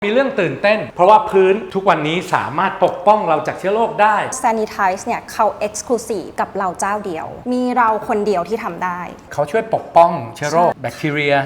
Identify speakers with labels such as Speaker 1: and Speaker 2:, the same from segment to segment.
Speaker 1: มีเรื่องตื่นเต้นเพราะว่าพื้นทุกวันนี้สามารถปกป้องเราจากเชื้อโรคได้
Speaker 2: Sanitize เนี่ยเขา Exclusive กับเราเจ้าเดียวมีเราคนเดียวที่ทำได้
Speaker 1: เขาช่วยปกป้องเชื้อโรคแบคทีเรีย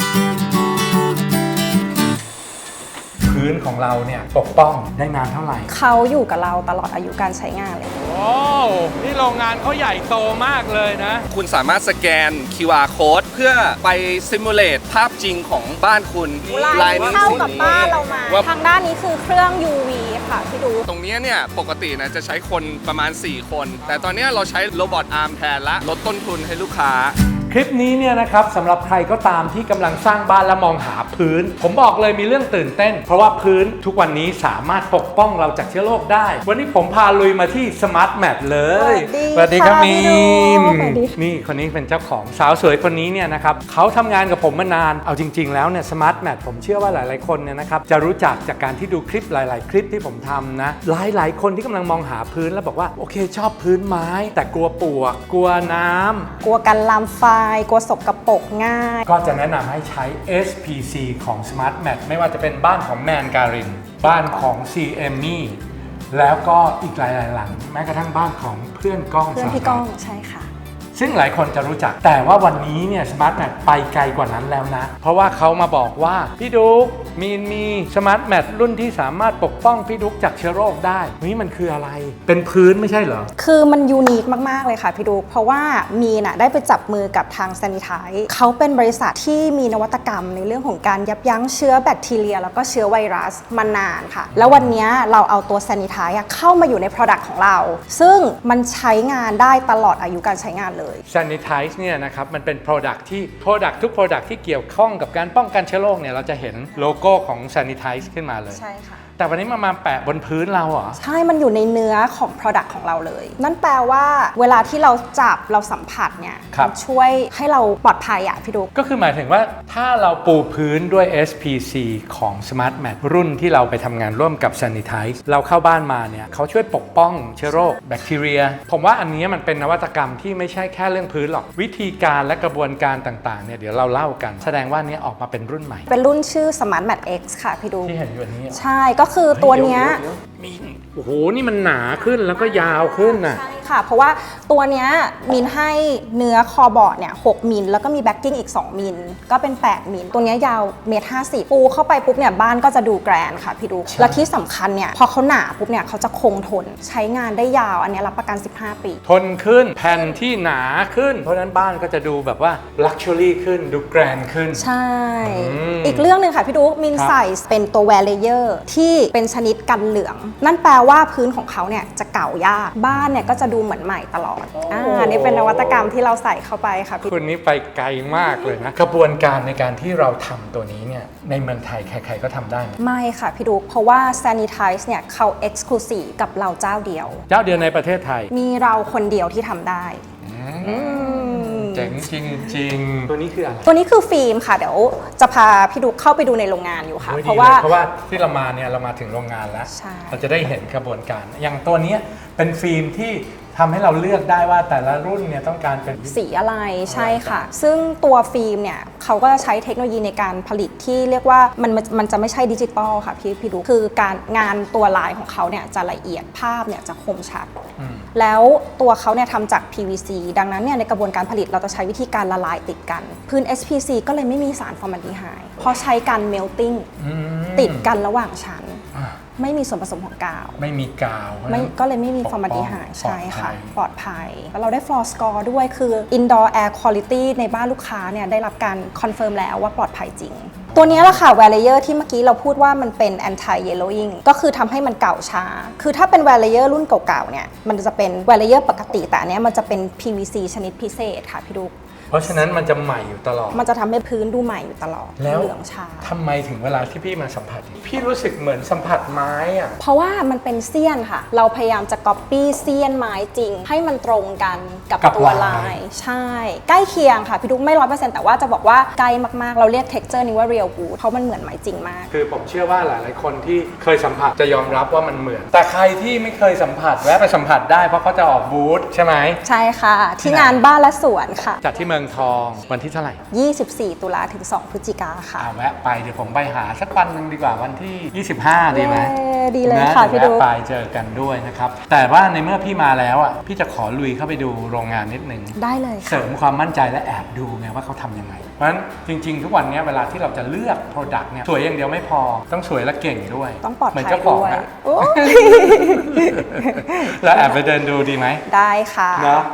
Speaker 1: พื้นของเราเนี่ยปกป้องได้นานเท่าไหร่
Speaker 2: เขาอยู่กับเราตลอดอายุการใช้งานเลย
Speaker 1: โอ้นี่โรงงานเขาใหญ่โตมากเลยนะ
Speaker 3: คุณสามารถสแกน QR code เพื่อไปซิมูเลตภาพจริงของบ้านคุณ
Speaker 2: ลายนี้เข้ากับบ้านเรามาทางด้านนี้คือเครื่อง UV ค่ะพี่ดู
Speaker 3: ตรงนี้เนี่ยปกตินะจะใช้คนประมาณ4คนแต่ตอนนี้เราใช้โรบอทอาร์มแทนละลดต้นทุนให้ลูกค้า
Speaker 1: คลิปนี้เนี่ยนะครับสำหรับใครก็ตามที่กำลังสร้างบ้านและมองหาพื้นผมบอกเลยมีเรื่องตื่นเต้นเพราะว่าพื้นทุกวันนี้สามารถปกป้องเราจากเชื้อโรคได้วันนี้ผมพาลุยมาที่ Smart Mat เลย
Speaker 2: สวัสดีครับ
Speaker 1: มีมนี่คนนี้เป็นเจ้าของสาวสวยคนนี้เนี่ยนะครับเขาทำงานกับผมมานานเอาจริงๆแล้วเนี่ย Smart Mat ผมเชื่อว่าหลายๆคนเนี่ยนะครับจะรู้จักจากการที่ดูคลิปหลายๆคลิปที่ผมทำนะหลายๆคนที่กำลังมองหาพื้นแล้วบอกว่าโอเคชอบพื้นไม้แต่กลัวปลวกกลัวน้ำ
Speaker 2: กลัวกันลามไฟกลัวสกปรกง่าย
Speaker 1: ก็จะแนะนำให้ใช้ SPC ของ Smart Mat ไม่ว่าจะเป็นบ้านของแมนการินบ้านของ CME แล้วก็อีกหลายๆหลังแม้กระทั่งบ้านของเพื่อนก้อง
Speaker 2: พี่ก้องใช่ค่ะ
Speaker 1: ซึ่งหลายคนจะรู้จักแต่ว่าวันนี้เนี่ย Smart Mat ไปไกลกว่านั้นแล้วนะเพราะว่าเขามาบอกว่าพี่ดุ๊กมี Smart Mat รุ่นที่สามารถปกป้องพี่ดุ๊กจากเชื้อโรคได้นี่มันคืออะไรเป็นพื้นไม่ใช่เหรอ
Speaker 2: คือมันยูนิคมากๆเลยค่ะพี่ดุ๊กเพราะว่ามีน่ะได้ไปจับมือกับทาง Sanitize เขาเป็นบริษัทที่มีนวัตกรรมในเรื่องของการยับยั้งเชื้อแบคทีเรียแล้วก็เชื้อไวรัสมานานค่ะแล้ววันนี้เราเอาตัว Sanitize เข้ามาอยู่ใน Product ของเราซึ่งมันใช้งานได้ตลอดอายุการใช้งานเลย
Speaker 1: Sanitize เนี่ยนะครับมันเป็น Product ที่ Product ทุก Product ที่เกี่ยวข้องกับการป้องกันเชื้อโรคเนี่ยเราจะเห็นโลโก้ของ Sanitize ขึ้นมาเลย
Speaker 2: ใช่ค่ะ
Speaker 1: แต่วันนี้มาแปะบนพื้นเราเหรอ
Speaker 2: ใช่มันอยู่ในเนื้อของ Product ของเราเลยนั่นแปลว่าเวลาที่เราจับเราสัมผัสเนี่ยมันช่วยให้เราปลอดภัยพี่ดุ๊ก
Speaker 1: ก็คือหมายถึงว่าถ้าเราปูพื้นด้วย SPC ของ Smart Mat รุ่นที่เราไปทำงานร่วมกับ Sanitize เราเข้าบ้านมาเนี่ยเขาช่วยปกป้องเชื้อโรคแบคทีเรียผมว่าอันนี้มันเป็นนวัตกรรมที่ไม่ใช่แค่เรื่องพื้นหรอกวิธีการและกระบวนการต่างๆเนี่ยเดี๋ยวเราเล่ากันแสดงว่านี้ออกมาเป็นรุ่นใหม่
Speaker 2: เป็นรุ่นชื่อ Smart Mat X ค่ะพี่ดุ๊ก
Speaker 1: ที่เห็นอยู่นี้
Speaker 2: ใช่ก็คือตัวเนี้ย
Speaker 1: มีโอ้โหนี่มันหนาขึ้นแล้วก็ยาวขึ้นน่ะ
Speaker 2: ใช่ค่ะเพราะว่าตัวเนี้ยมินให้เนื้อคอบอร์ดเนี่ย6มิลแล้วก็มีแบ็กกิ้งอีก2มิลก็เป็น8มิลตัวเนี้ยยาว1.50 ปูเข้าไปปุ๊บเนี่ยบ้านก็จะดูแกรนด์ค่ะพี่ดุ๊กและที่สำคัญเนี่ยพอเขาหนาปุ๊บเนี่ยเขาจะคงทนใช้งานได้ยาวอันนี้รับประกัน15ปี
Speaker 1: ทนขึ้นแผ่นที่หนาขึ้นเพราะฉะนั้นบ้านก็จะดูแบบว่าลักชัวรี่ขึ้นดูแกรนด์ขึ้น
Speaker 2: ใช่อีกเรื่องนึงค่ะพี่ดุ๊กมินใส่เป็นตัวแวร์เลเยอร์ที่เป็นชนิดกันเหลืองนั่นแปลว่าพื้นของเขาเนี่ยจะเก่ายากบ้านเนี่ยก็จะดูเหมือนใหม่ตลอดนี่เป็นนวัตกรรมที่เราใส่เข้าไปค่ะ
Speaker 1: คุณนี่ไปไกลมากเลยนะกระบวนการในการที่เราทำตัวนี้เนี่ยในเมืองไทยใครๆก็ทำได้
Speaker 2: ไม่ค่ะพี่ดุ๊กเพราะว่า Sanitize เนี่ยเขา Exclusive กับเราเจ้าเดียว
Speaker 1: ในประเทศไทย
Speaker 2: มีเราคนเดียวที่ทำได้
Speaker 1: เจ๋งจริงๆตัวนี้คืออะไร
Speaker 2: ตัวนี้คือฟิล์มค่ะเดี๋ยวจะพาพี่ดุ๊กเข้าไปดูในโรงงานอยู่ค่ะ
Speaker 1: เพราะว่าที่เรามาเนี่ยเรามาถึงโรงงานแล้วเราจะได้เห็นกระบวนการอย่างตัวนี้เป็นฟิล์มที่ทำให้เราเลือกได้ว่าแต่ละรุ่นเนี่ยต้องการเป็น
Speaker 2: สีอะไรใช่ค่ะซึ่งตัวฟิล์มเนี่ยเขาก็จะใช้เทคโนโลยีในการผลิตที่เรียกว่ามันจะไม่ใช่ดิจิตอลค่ะพี่ดูคือการงานตัวลายของเขาเนี่ยจะละเอียดภาพเนี่ยจะคมชัดแล้วตัวเขาเนี่ยทำจาก PVC ดังนั้นเนี่ยในกระบวนการผลิตเราจะใช้วิธีการละลายติดกันพื้น SPC ก็เลยไม่มีสารฟอร์มาลดีไฮด์เพราะใช้การ melting ติดกันระหว่างชั้นไม่มีส่วนผสมของกาว
Speaker 1: ไม่มีกาว
Speaker 2: ก็เลยไม่มีฟอร์มาลดีไฮด์ใช่ค่ะปลอดภัยแล้วเราได้ floor score ด้วยคือ indoor air quality ในบ้านลูกค้าเนี่ยได้รับการคอนเฟิร์มแล้วว่าปลอดภัยจริงตัวนี้แหละค่ะ wear layer ที่เมื่อกี้เราพูดว่ามันเป็น anti yellowing ก็คือทำให้มันเก่าช้าคือถ้าเป็น wear layer รุ่นเก่าๆเนี่ยมันจะเป็น wear layer ปกติแต่อันนี้มันจะเป็น PVC ชนิดพิเศษค่ะพี่ดุ๊ก
Speaker 1: เพราะฉะนั้นมันจะใหม่อยู่ตลอด
Speaker 2: มันจะทำให้พื้นดูใหม่อยู่ตลอด
Speaker 1: แล้ว
Speaker 2: เหลืองชา
Speaker 1: ทำไมถึงเวลาที่พี่มาสัมผัสพี่รู้สึกเหมือนสัมผัสไม้อะ
Speaker 2: เพราะว่ามันเป็นเสี้ยนค่ะเราพยายามจะก๊อปปี้เสี้ยนไม้จริงให้มันตรงกันกับตัวลายใช่ใกล้เคียงค่ะพี่ดุ๊กไม่ 100% แต่ว่าจะบอกว่าใกล้มากๆเราเรียก texture นี้ว่า real wood เพราะมันเหมือนไม้จริงมาก
Speaker 1: คือผมเชื่อว่าหลายๆคนที่เคยสัมผัสจะยอมรับว่ามันเหมือนแต่ใครที่ไม่เคยสัมผัสแวะไปสัมผัสได้เพราะเขาจะออกบูธใช่ไหม
Speaker 2: ใช่ค่ะที่งานบ้านและสวนค่ะ
Speaker 1: จัดที่เมมืองทองวันที่เท่าไหร่
Speaker 2: 24 ตุลาถึง 2 พฤศจิกาค่ะ
Speaker 1: แวะไปเดี๋ยวผมไปหาสักวันหนึ่งดีกว่าวันที่ 25 ดีไหม
Speaker 2: ดีเลยค่ะพี่ดุ๊ก
Speaker 1: แวะไปเจอกันด้วยนะครับแต่ว่าในเมื่อพี่มาแล้วอ่ะพี่จะขอลุยเข้าไปดูโรงงานนิดนึง
Speaker 2: ได้เลย
Speaker 1: เสริมความมั่นใจและแอบดูไงว่าเขาทำยังไงเพราะฉะนั้นจริงๆทุกวันนี้เวลาที่เราจะเลือก Product เนี่ยสวยอย่างเดียวไม่พอต้องสวยและเก่งด้วย
Speaker 2: ต้องปลอด
Speaker 1: เหมือน
Speaker 2: ภัย
Speaker 1: เจ้าของ
Speaker 2: ด้วย
Speaker 1: อะ
Speaker 2: โอ้
Speaker 1: แล้วแอบไปเดินดูดีไหม
Speaker 2: ได้ค่ะ
Speaker 1: เนาะ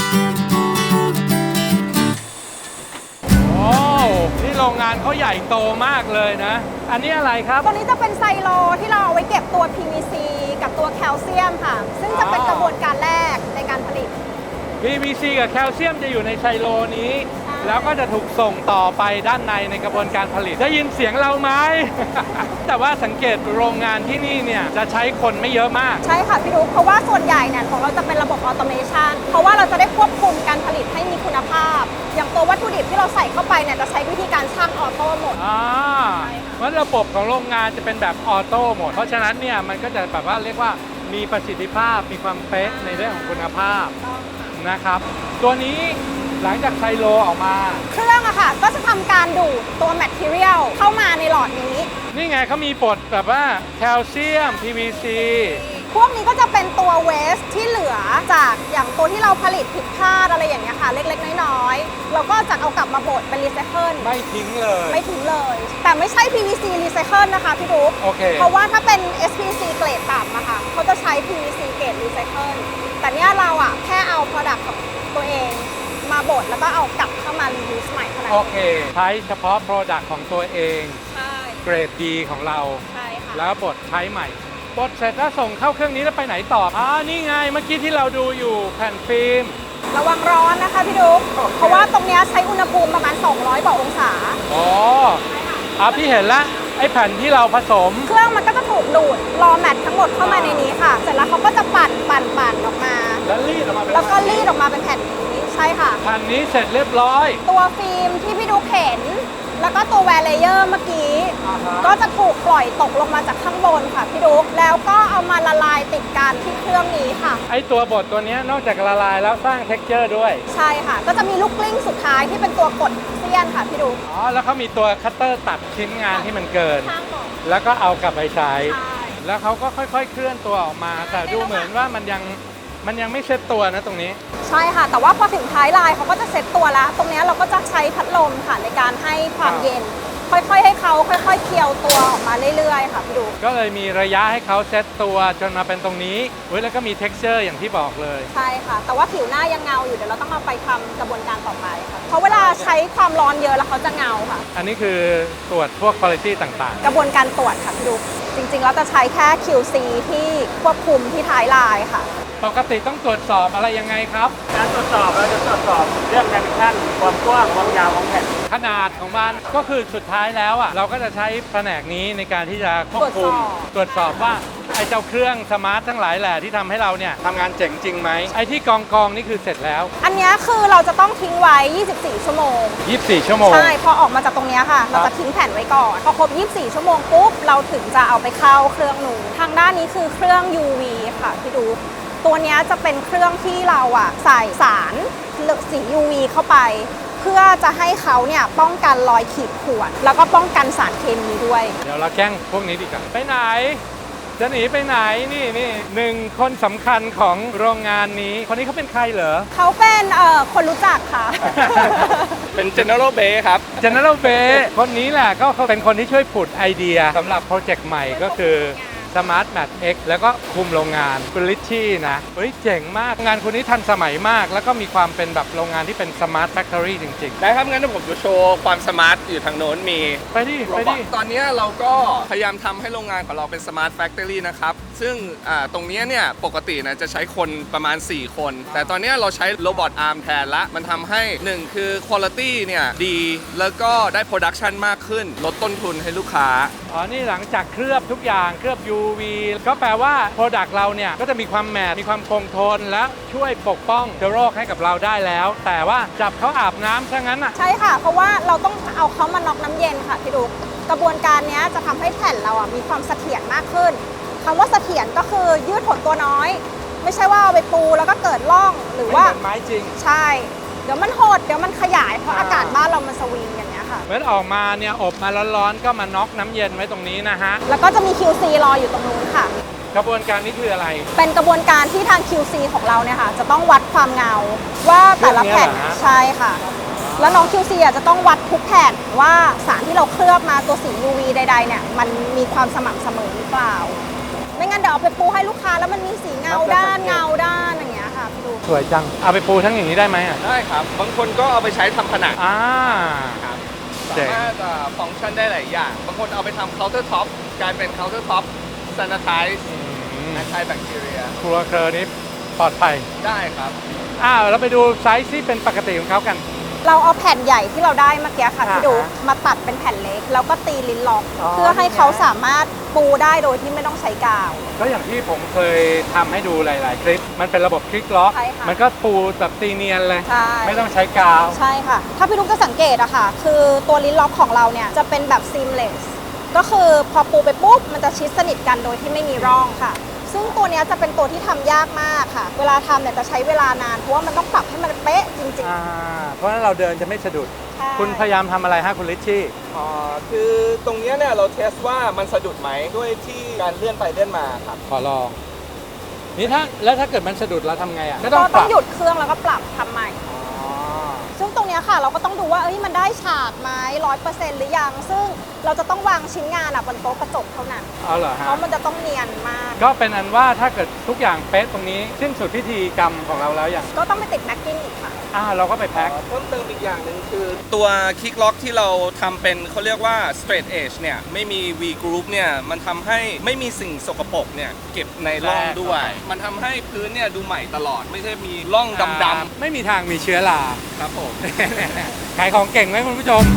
Speaker 1: โอ้ที่โรงงานเขาใหญ่โตมากเลยนะ อันนี้อะไรครับ
Speaker 2: ตัวนี้จะเป็นไซโลที่เราเอาไว้เก็บตัว PVC กับตัวแคลเซียมค่ะ ซึ่งจะเป็นกระบวนการแรกในการผลิต
Speaker 1: PVC กับแคลเซียมจะอยู่ในไซโลนี้
Speaker 2: ใช่
Speaker 1: แล้วก็จะถูกส่งต่อไปด้านในกระบวนการผลิตได้ยินเสียงเราไหม แต่ว่าสังเกตโรงงานที่นี่เนี่ยจะใช้คนไม่เยอะมาก
Speaker 2: ใช่ค่ะพี่ดุ๊กเพราะว่าส่วนใหญ่เนี่ยของเราจะเป็นระบบออโตเมชันเพราะว่าเราจะได้ควบคุมการผลิตให้มีคุณภาพ อย่างตัววัตถุดิบที่เราใส่เข้าไปเนี่ยจะใช้วิธีการชั่งออโต้หมด
Speaker 1: เพราะระบบของโรงงานจะเป็นแบบออโต้หมด เพราะฉะนั้นเนี่ยมันก็จะแบบว่าเรียกว่ามีประสิทธิภาพมีความเป๊ะในเรื่องของคุณภาพนะครับ ตัวนี้หลังจากไซโลออกมา
Speaker 2: เครื่องอะค่ะก็จะทำการดูดตัวแมทเทียลเข้ามาในหลอดนี้
Speaker 1: นี่ไงเขามีบทแบบว่าแคลเซียม PVC
Speaker 2: พวกนี้ก็จะเป็นตัวเวสที่เหลือจากอย่างตัวที่เราผลิตผิดพลาดอะไรอย่างเงี้ยค่ะเล็กๆน้อยๆเราก็จะเอากลับมาบดเป็นรีไซเคิล
Speaker 1: ไม่ทิ้งเลย
Speaker 2: ไม่ทิ้งเลย แต่ไม่ใช่ PVC รีไซเคิลนะคะพี่ดุ๊ก
Speaker 1: โอเค
Speaker 2: เพราะว่าถ้าเป็น SPC เกรดต่ำอะค่ะเขาจะใช้ PVC เกรดรีไซเคิลแต่เนี้ยเราอะแค่เอา Product ของตัวเองมาบดแล้วก็เอากลับเข้ามารียูสใหม่เท่านั้น
Speaker 1: โอเค ใช้เฉพาะ Product ของตัวเอง
Speaker 2: ใช่
Speaker 1: เกรดดีของเรา
Speaker 2: ใช่ค่ะ
Speaker 1: แล้วบดใช้ใหม่บดเสร็จแล้วส่งเข้าเครื่องนี้แล้วไปไหนต่อนี่ไงเมื่อกี้ที่เราดูอยู่แผ่นฟิล์ม
Speaker 2: ระวังร้อนนะคะพี่ดุ๊กเพราะว่าตรงเนี้ยใช้อุณหภูมิประมาณ 200 กว่าองศา
Speaker 1: อ๋อพี่เห็นแล้วไอ้แผ่นที่เราผสม
Speaker 2: เครื่องมันก็จะถูกดูดรอแมททั้งหมดเข้ามาในนี้ค่ะ เสร็จแล้วเขาก็จะปั่นออกมา
Speaker 1: แล้วรีดออกมาเป็น
Speaker 2: แล้วก็รีดออกมาเป็นแผ่นนี้ใช่ค่ะ
Speaker 1: แผ่นนี้เสร็จเรียบร้อย
Speaker 2: ตัวฟิล์มที่พี่ดุ๊กเห็น แล้วก็ตัวแวร์เลเยอร์เมื่อกี้
Speaker 1: อ่าฮะ
Speaker 2: ก็จะถูกปล่อยตกลงมาจากข้างบนค่ะพี่ดุ๊กแล้วก็เอามาละลายติดกันที่เครื่องนี้ค่ะ
Speaker 1: ไอ้ตัวบดตัวเนี้ยนอกจากละลายแล้วสร้างเท็กเจอร์ด้วย
Speaker 2: ใช่ค่ะ ก็จะมีลูกกลิ้งสุดท้ายที่เป็นตัวกดเสี้ยนค่ะพี่ดุ๊ก
Speaker 1: แล้วเขามีตัวคัตเตอร์ตัดชิ้นงานที่มันเกิน
Speaker 2: ข้างบน
Speaker 1: แล้วก็เอากลับไปใช้
Speaker 2: ใช่
Speaker 1: แล้วเขาก็ค่อยๆ เคลื่อนตัวออกมา แต่ดูเหมือนว่ามันยังไม่เซ็ตตัวนะตรงนี้
Speaker 2: ใช่ค่ะ แต่ว่าพอถึงท้ายลายเขาก็จะเซ็ตตัวแล้ว ตรงเนี้ยเราก็จะใช้พัดลมค่ะในการให้ความเย็น ค่อยๆให้เขาค่อยๆเคี่ยวตัวออกมาเรื่อยๆค่ะพี่ดู
Speaker 1: ก็เลยมีระยะให้เขาเซ็ตตัวจนมาเป็นตรงนี้แล้วก็มี texture อย่างที่บอกเลย
Speaker 2: ใช่ค่ะ แต่ว่าผิวหน้ายังเงาอยู่เดี๋ยวเราต้องเอาไปทำกระบวนการต่อไปค่ะเพราะเวลาใช้ความร้อนเยอะแล้วเขาจะเงาค่ะ
Speaker 1: อันนี้คือตรวจพวก quality ต่าง
Speaker 2: กระบวนการตรวจค่ะพี่ดูจริงๆเราจะใช้แค่ QC ที่ควบคุมที่ท้ายลายค่ะ
Speaker 1: ๆ ปกติต้องตรวจสอบอะไรยังไงครับ
Speaker 4: การตรวจสอบเราจะตรวจสอบเรื่องดิเมนชันความกว้างความยาวของแผ่น
Speaker 1: ขนาดของมันก็คือสุดท้ายแล้วเราก็จะใช้แผนกนี้ในการที่จะควบคุมตรวจสอบว่าไอ้เจ้าเครื่องสมาร์ททั้งหลายแหละที่ทำให้เราเนี่ยทำงานเจ๋งจริงไหมไอ้ที่กองนี่คือเสร็จแล้ว
Speaker 2: อันเนี้ยคือเราจะต้องทิ้งไว้ 24 ชั่วโมง
Speaker 1: 24 ชั่วโมง
Speaker 2: ใช่ พอออกมาจากตรงเนี้ยค่ะ เราจะทิ้งแผ่นไว้ก่อน พอครบ 24 ชั่วโมงปุ๊บ เราถึงจะเอาไปเข้าเครื่องนูนทางด้านนี้คือเครื่อง UV ค่ะพี่ดู ตัวเนี้ยจะเป็นเครื่องที่เราใส่สารสี UV เข้าไป เพื่อจะให้เขาเนี่ยป้องกันรอยขีดข่วนแล้วก็ป้องกันสารเคมีด้วย
Speaker 1: เดี๋ยวเราแกล้งพวกนี้ดีกว่าไปไหน จะหนีไปไหนนี่หนึ่งคนสำคัญของโรงงานนี้คนนี้เขาเป็นใครเหรอ
Speaker 2: เขาเป็นคนรู้จักค่ะ
Speaker 3: เป็น General Bay ครับ
Speaker 1: General Bay คนนี้แหละก็เขาเป็นคนที่ช่วยผุดไอเดียสำหรับโปรเจกต์ใหม่ก็คือ Smart Mat X แล้วก็คุมโรงงานคุณลิชชี่นะเฮ้ยเจ๋งมากงานคุณนี้ทันสมัยมาก แล้วก็มีความเป็นแบบโรงงานที่เป็น Smart Factory จริง
Speaker 3: ได้ครับงั้นผมจะโชว์ความสมาร์ทอยู่ทางโน้นมี
Speaker 1: ๆ ไปดิ
Speaker 3: โร
Speaker 1: ไป
Speaker 3: บอ
Speaker 1: ดิ
Speaker 3: ทตอนนี้เราก็พยายามทำให้โรงงานของเราเป็น Smart Factory นะครับ ซึ่งตรงนี้เนี่ยปกตินะจะใช้คนประมาณ 4 คน แต่ตอนนี้เราใช้โรบอทอาร์มแทนละ มันทำให้ 1 คือ Quality เนี่ยดี แล้วก็ได้ Production มากขึ้น ลดต้นทุนให้ลูกค้า
Speaker 1: อ๋อนี่หลังจากเคลือบทุกอย่างเคลือบ UV ก็แปลว่า Product เราเนี่ยก็จะมีความแมทมีความคงทนและช่วยปกป้องเชื้อโรคให้กับเราได้แล้ว แต่ว่าจับเขาอาบน้ำซะงั้นอ่ะ
Speaker 2: ใช่ค่ะ เพราะว่าเราต้องเอาเขามาน็อกน้ำเย็นค่ะพี่ดุกกระบวนการเนี้ยจะทำให้แผ่นเรามีความเสถียรมากขึ้นคำว่าเสถียรก็คือยืดหดตัวน้อย ไม่ใช่ว่าเอาไปปูแล้วก็เกิดร่องหรือว่า
Speaker 1: ไม่เหมือนไม้จริง
Speaker 2: ใช่เดี๋ยวมันหดเดี๋ยวมันขยายเพราะอากาศบ้านเรามันสวิงอย่างเงี้ยค่ะ
Speaker 1: เมื่อออกมาเนี่ยอบมาร้อนๆก็มาน็อกน้ำเย็นไว้ตรงนี้นะฮะ
Speaker 2: แล้วก็จะมี QC รออยู่ตรงนู้นค่ะ
Speaker 1: กระบวนการนี้คืออะไร
Speaker 2: เป็นกระบวนการที่ทาง QC ของเราเนี่ยค่ะจะต้องวัดความเงาว่าแต่ละแผ่น
Speaker 1: เครื่องนี้เหรอฮะ
Speaker 2: ใช่ค่ะ แล้วน้อง QC อ่ะจะต้องวัดทุกแผ่นว่าสารที่เราเคลือบมาตัวสี UV ใดๆเนี่ยมันมีความสม่ำเสมอหรือเปล่า ไม่งั้นเดี๋ยวเอาไปปูให้ลูกค้าแล้วมันมีสีเงาด้านอย่างเงี้ยค่ะพี่ดู
Speaker 1: สวยจัง เอาไปปูทั้งอย่างนี้ได้ไหมอ่ะ
Speaker 3: ได้ครับ บางคนก็เอาไปใช้ทำผนัง
Speaker 1: อ่า
Speaker 3: ครับ
Speaker 1: เจ๋
Speaker 3: สาง มารถฟังก์ชันได้หลายอย่าง บางคนเอาไปทำเคาน์เตอร์ท็อปกลายเป็นเคาน์เตอร์ท็อปซานิไทซ์แอนตี้แบคทีเรีย
Speaker 1: ครัวเคอร์นี้ปลอดภัย
Speaker 3: ได้ครับ
Speaker 1: เราไปดูไซส์ที่เป็นปกติของเขากัน
Speaker 2: เราเอาแผ่นใหญ่ที่เราได้เมื่อกี้ค่ะพี่ดู
Speaker 1: อ่าฮะ
Speaker 2: มาตัดเป็นแผ่นเล็กแล้วก็ตีลิ้นล็อก
Speaker 1: อ๋อ
Speaker 2: เพื่อให้
Speaker 1: นี่ไง
Speaker 2: เขาสามารถปูได้โดยที่ไม่ต้องใช้กาว
Speaker 1: ก็อย่างที่ผมเคยทำให้ดูหลาย ๆ คลิป มันเป็นระบบคลิกล็อก
Speaker 2: ใช่ค่ะ
Speaker 1: มันก็ปูแบบตีเนียนเลย
Speaker 2: ใช่
Speaker 1: ไม่ต้องใช้กาว
Speaker 2: ใช่ค่ะ ถ้าพี่ลูกจะสังเกตอะค่ะ คือตัวลิ้นล็อกของเราเนี่ยจะเป็นแบบ seamless ก็คือพอปูไปปุ๊บมันจะชิดสนิทกันโดยที่ไม่มีร่องค่ะ ซึ่งตัวเนี้ยจะเป็นตัวที่ทำยากมากค่ะ เวลาทำเนี่ยจะใช้เวลานานเพราะว่ามันต้องปรับให้มันเป๊ะจริง
Speaker 1: เพราะฉะนั้นเราเดินจะไม่สะดุด
Speaker 2: ๆใช่
Speaker 1: คุณพยายามทำอะไรฮะคุณลิชชี่
Speaker 3: คือตรงเนี้ยเนี่ยเราเทสว่ามันสะดุดไหมด้วยที่การเลื่อนไปเลื่อนมาครับ
Speaker 1: ขอลองนี่ถ้าเกิดมันสะดุดเราทำไงอ่ะ
Speaker 2: ก็ต้องหยุดเครื่องแล้วก็ปรับทำใหม่
Speaker 1: อ๋อ
Speaker 2: ซึ่งตรงเนี้ยค่ะเราก็ต้องดูว่ามันได้ฉากไหม100%หรือยัง ซึ่งเราจะต้องวางชิ้นงานบนโต๊ะกระจกเท่านั้น
Speaker 1: เอาเหรอ
Speaker 2: เพ
Speaker 1: ฮะ
Speaker 2: ราะมันจะต้องเนียนมาก
Speaker 1: ก็เป็นอันว่าถ้าเกิดทุกอย่างเป๊ะตรงนี้สิ้นสุดพิธีกรรมของเราแล้วอย่าง
Speaker 2: ก็ต้องไปติดแม็กกิ้งอีกค่ะ
Speaker 1: เราก็ไปแพ็ค
Speaker 3: เพิ่มเติมอีกอย่างหนึ่งคือ ตัวคิกล็อกที่เราทำเป็นเขาเรียกว่า straight edge เนี่ยไม่มี V group เนี่ยมันทำให้ไม่มีสิ่งสกปรกเนี่ยเก็บในร่องด้วย มันทำให้พื้นเนี่ยดูใหม่ตลอด ไม่ใช่มีร่องดำ
Speaker 1: ไม่มีทางมีเชื้อรา
Speaker 3: ๆครับผม
Speaker 1: ขายของเก่งไหมคุณผู้ชม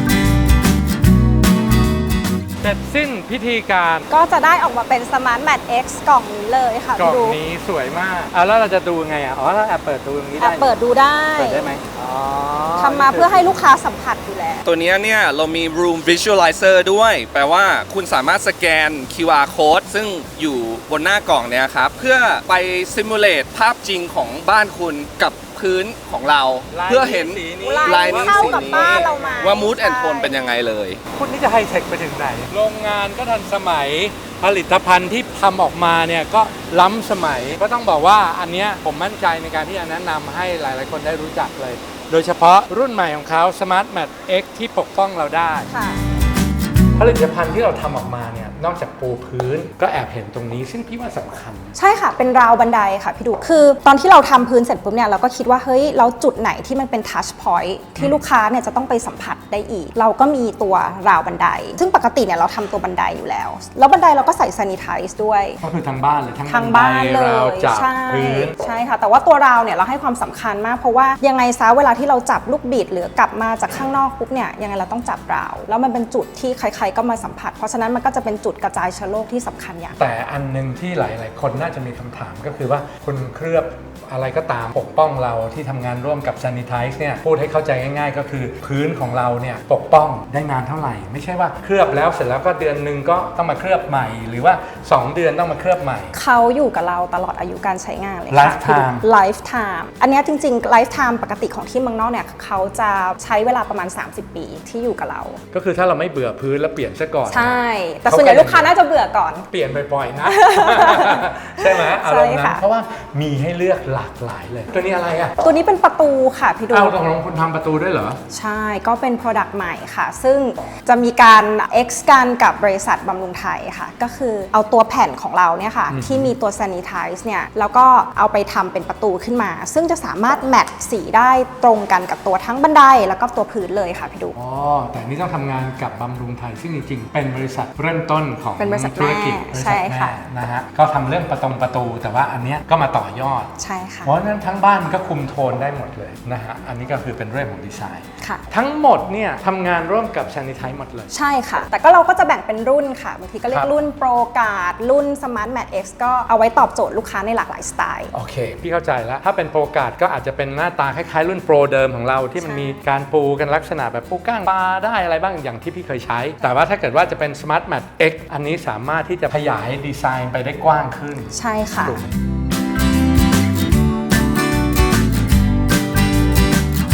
Speaker 1: เสร็จสิ้นพิธีการ
Speaker 2: ก็จะได้ออกมาเป็น Smart Mat X กล่องนี้เลยค่ะ
Speaker 1: กล่อง
Speaker 2: พี่ดู
Speaker 1: นี้สวยมากแล้วเราจะดูไงเราแอบเปิดดูตรงนี้
Speaker 2: แอ
Speaker 1: ได้
Speaker 2: บเปิดดูได้
Speaker 1: เปิดได้ไหม
Speaker 2: ทำมาเพื่อให้ลูกค้าสัมผัสอยู่แล้ว
Speaker 3: ตัวเนี้ยเนี่ยเรามี room visualizer ด้วย แปลว่าคุณสามารถสแกน QR code ซึ่งอยู่บนหน้ากล่องเนี่ยครับ เพื่อไป simulate ภาพจริงของบ้านคุณกับพื้นของเรา เพื่อเห็น
Speaker 1: สีนี้
Speaker 2: ลายนี้เข้ากับบ้านเราไหม
Speaker 3: ว่า mood and
Speaker 2: ใช่
Speaker 3: tone เป็นยังไงเลย
Speaker 1: คุณนี่จะไฮเทคไปถึงไหน โรงงานก็ทันสมัย ผลิตภัณฑ์ที่ทำออกมาเนี่ยก็ล้ำสมัย ก็ต้องบอกว่าอันเนี้ยผมมั่นใจในการที่จะแนะนำให้หลายๆคนได้รู้จักเลย โดยเฉพาะรุ่นใหม่ของเขา Smart Mat X ที่ปกป้องเราได้
Speaker 2: ค่ะ
Speaker 1: ผลิตภัณฑ์ที่เราทำออกมาเนี่ยนอกจากปูพื้นก็แอบเห็นตรงนี้ซึ่งพี่ว่าสำคัญ
Speaker 2: ใช่ค่ะ เป็นราวบันไดค่ะพี่ดู คือตอนที่เราทำพื้นเสร็จปุ๊บเนี่ยเราก็คิดว่าเฮ้ยแล้วจุดไหนที่มันเป็นทัชพอยท์ที่ลูกค้าเนี่ยจะต้องไปสัมผัสได้อีก เราก็มีตัวราวบันได ซึ่งปกติเนี่ยเราทำตัวบันไดอยู่แล้ว แล้วบันไดเราก็ใส่ซานิไทซ์ด้วย
Speaker 1: ก็คือทั้งบ้านเลยทั้ง
Speaker 2: ทางบ้านเล
Speaker 1: ราว
Speaker 2: ย
Speaker 1: จับ
Speaker 2: ใช่
Speaker 1: พื้น
Speaker 2: ใช่ค่ะ แต่ว่าตัวราวเนี่ยเราให้ความสำคัญมากเพราะว่ายังไงซะเวลาที่เราจับลูกบิดหรือกลับมาจากข้างนอกปุ๊บเนี่ยยังไงเราต้องจับราว แล้วมันเป็นจุดที่ใครๆก็มาสัมผัส เพราะฉะนั้นมันก็จะเป็นจุดกระจายเชื้อโรคที่สำคัญอย่าง
Speaker 1: แต่อันหนึงที่หลาย ๆ คนน่าจะมีคำถามก็คือว่าคุณเคลือบอะไรก็ตามปกป้องเราที่ทำงานร่วมกับ Sanitize เนี่ยพูดให้เข้าใจง่าย ๆ ก็คือพื้นของเราเนี่ยปกป้องได้นานเท่าไหร่ ไม่ใช่ว่าเคลือบแล้วเสร็จแล้วก็เดือนหนึ่งก็ต้องมาเคลือบใหม่ หรือว่า 2 เดือนต้องมาเคลือบใหม่
Speaker 2: เขาอยู่กับเราตลอดอายุการใช้งานเลยค่ะ
Speaker 1: Lifetime
Speaker 2: Lifetime อันเนี้ยจริงๆ Lifetime ปกติของที่เมืองนอกเนี่ยเขาจะใช้เวลาประมาณ 30 ปีที่อยู่กับเรา
Speaker 1: ก็คือถ้าเราไม่เบื่อพื้นแล้วเปลี่ยนซะก่อน
Speaker 2: ใช่ แต่ส่วนใหญ่ลูกค้าน่าจะเบื่อก่อน
Speaker 1: เปลี่ยนบ่อยๆนะ ใช่ไหมอารมณ์
Speaker 2: ใช่
Speaker 1: นั้น
Speaker 2: ค่ะ
Speaker 1: เพราะว่ามีให้เลือกหลากหลายเลย ตัวนี้อะไรอ่ะ
Speaker 2: ตัวนี้เป็นประตูค่ะพี่ดู
Speaker 1: ตกลงคุณทำประตูด้วยเหรอ
Speaker 2: ใช่ ก็เป็น Product ใหม่ค่ะ ซึ่งจะมีการ X กันกับบริษัทบำรุงไทยค่ะ ก็คือเอาตัวแผ่นของเราเนี่ยค่ะ ที่มีตัว Sanitize เนี่ย แล้วก็เอาไปทำเป็นประตูขึ้นมา ซึ่งจะสามารถแมทสีได้ตรงกันกับตัวทั้งบันไดแล้วก็ตัวพื้นเลยค่ะพี่ดู
Speaker 1: อ๋อ แต่นี่ต้องทำงานกับบำรุงไทย ซึ่งจริงๆ เป็นบริษัทเริ่มต้นของ
Speaker 2: เป็นบริษัท
Speaker 1: ธุรกิจ
Speaker 2: แม่
Speaker 1: บริ
Speaker 2: ใช่
Speaker 1: ษัท
Speaker 2: ค่ะ
Speaker 1: แม่นะฮะ ก็ทำเรื่องประตู แต่ว่าอันเนี้ยก็มาต่อยอด
Speaker 2: ใช่ค่ะ
Speaker 1: เพราะฉะนั้นทั้งบ้านมันก็คุมโทนได้หมดเลยนะฮะ อันนี้ก็คือเป็นเรื่องของดีไซน์
Speaker 2: ค่ะ
Speaker 1: ทั้งหมดเนี่ยทำงานร่วมกับ Sanitize หมดเลย
Speaker 2: ใช่ค่ะ แต่ก็เราก็จะแบ่งเป็นรุ่นค่ะ บางทีก็เรีย
Speaker 1: ครั
Speaker 2: ก
Speaker 1: บ
Speaker 2: รุ่นโปรการ์ดรุ่น Smart Mat X ก็เอาไว้ตอบโจทย์ลูกค้าในหลากหลายสไตล์
Speaker 1: โอเค พี่เข้าใจแล้ว ถ้าเป็นโปรการ์ดก็อาจจะเป็นหน้าตาคล้ายๆ รุ่นโปรเดิมของเราที่มัน
Speaker 2: ใช่
Speaker 1: มีการปูกันลักษณะแบบปูก้างปลาได้อะไรบ้างอย่างที่พี่เคยใช้ แต่ว่าถ้าเกิดว่าจะเป็น Smart Mat X อันนี้สามารถที่จะขยายดีไซน์ไปได้กว้างขึ้น
Speaker 2: ใช่ค่ะ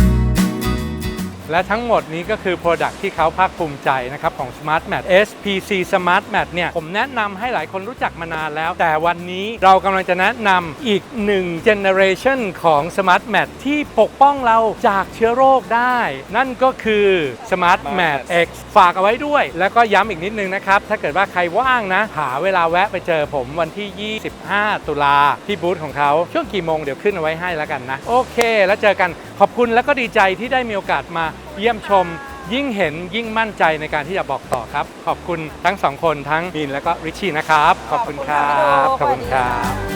Speaker 1: และทั้งหมดนี้ก็คือ Product ที่เขาภาคภูมิใจนะครับของ Smart Mat SPC Smart Mat เนี่ยผมแนะนำให้หลายคนรู้จักมานานแล้ว แต่วันนี้เรากำลังจะแนะนำอีก1 Generation ของ Smart Mat ที่ปกป้องเราจากเชื้อโรคได้ นั่นก็คือ Smart Mat X ฝากเอาไว้ด้วยแล้วก็ย้ำอีกนิดนึงนะครับถ้าเกิดว่าใครว่างนะหาเวลาแวะไปเจอผมวันที่ 25 ตุลาที่บูธของเขาช่วงกี่โมงเดี๋ยวขึ้นเอาไว้ให้แล้วกันนะโอเคแล้วเจอกันขอบคุณแล้วก็ดีใจที่ได้มีโอกาสมาเยี่ยมชมยิ่งเห็นยิ่งมั่นใจในการที่จะบอกต่อครับขอบคุณทั้งสองคนทั้งมินและก็ริชชี่นะครับขอบคุณครับขอบคุณครับ